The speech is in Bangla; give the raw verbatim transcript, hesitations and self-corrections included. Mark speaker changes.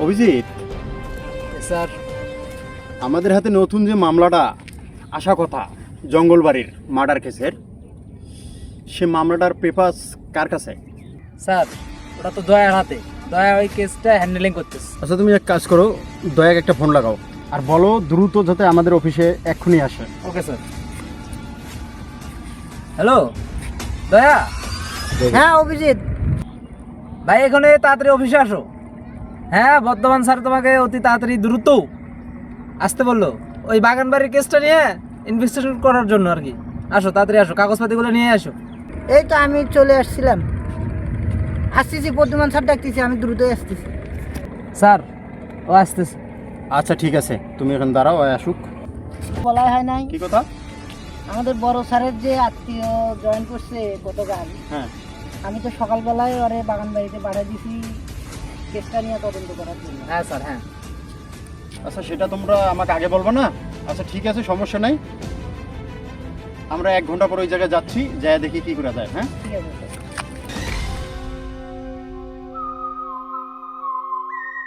Speaker 1: অভিজিৎ
Speaker 2: স্যার,
Speaker 1: আমাদের হাতে নতুন যে মামলাটা আসা কথা জঙ্গলবাড়ির মার্ডার কেসের, সে মামলাটার পেপারস কার কাছে?
Speaker 2: স্যার ওটা তো দয়ার হাতে। দয়া ওই কেসটা হ্যান্ডেলিং করতেছে।
Speaker 1: আচ্ছা, তুমি এক কাজ করো, দয়াকে একটা ফোন লাগাও আর বলো দ্রুত যাতে আমাদের অফিসে এক্ষুনি আসে।
Speaker 2: Okay sir. হ্যালো দয়া।
Speaker 3: হ্যাঁ অভিজিৎ,
Speaker 2: ভাই এখানে তাড়াতাড়ি অফিসে আসো। হ্যাঁ, বর্ধমান স্যার তোমাকে অতি তাড়াতাড়ি দ্রুত আসতে বললো ওই বাগান বাড়ির কেসটা নিয়ে ইনভেস্টিগেশন করার জন্য আর কি। আসো তাড়াতাড়ি আসো, কাগজপাতিগুলো নিয়ে আসো।
Speaker 3: এই তো আমি চলে আসছিলাম, আসতেছি। বর্ধমান স্যার ডাকতেছি, আমি দ্রুতই আসতেছি।
Speaker 2: স্যার ও আসতেছে।
Speaker 1: আচ্ছা ঠিক আছে, তুমি এখন দাঁড়াও, আয় আসুক।
Speaker 3: বলা হয় নাই
Speaker 1: কি কথা?
Speaker 3: আমাদের বড় স্যারের যে আত্মীয় জয়েন করছে গতকাল,
Speaker 1: হ্যাঁ,
Speaker 3: আমি তো সকালবেলায় ওরে বাগান বাড়িতে পাঠিয়ে দিছি কেসটা নিয়ে তদন্ত করার জন্য।
Speaker 2: হ্যাঁ স্যার, হ্যাঁ।
Speaker 1: আচ্ছা সেটা তোমরা আমাকে আগে বলবো না? আচ্ছা ঠিক আছে, সমস্যা নাই, আমরা এক ঘন্টা পর ওই জায়গায় যাচ্ছি, যাই দেখি কি করা যায়। হ্যাঁ
Speaker 3: ঠিক আছে।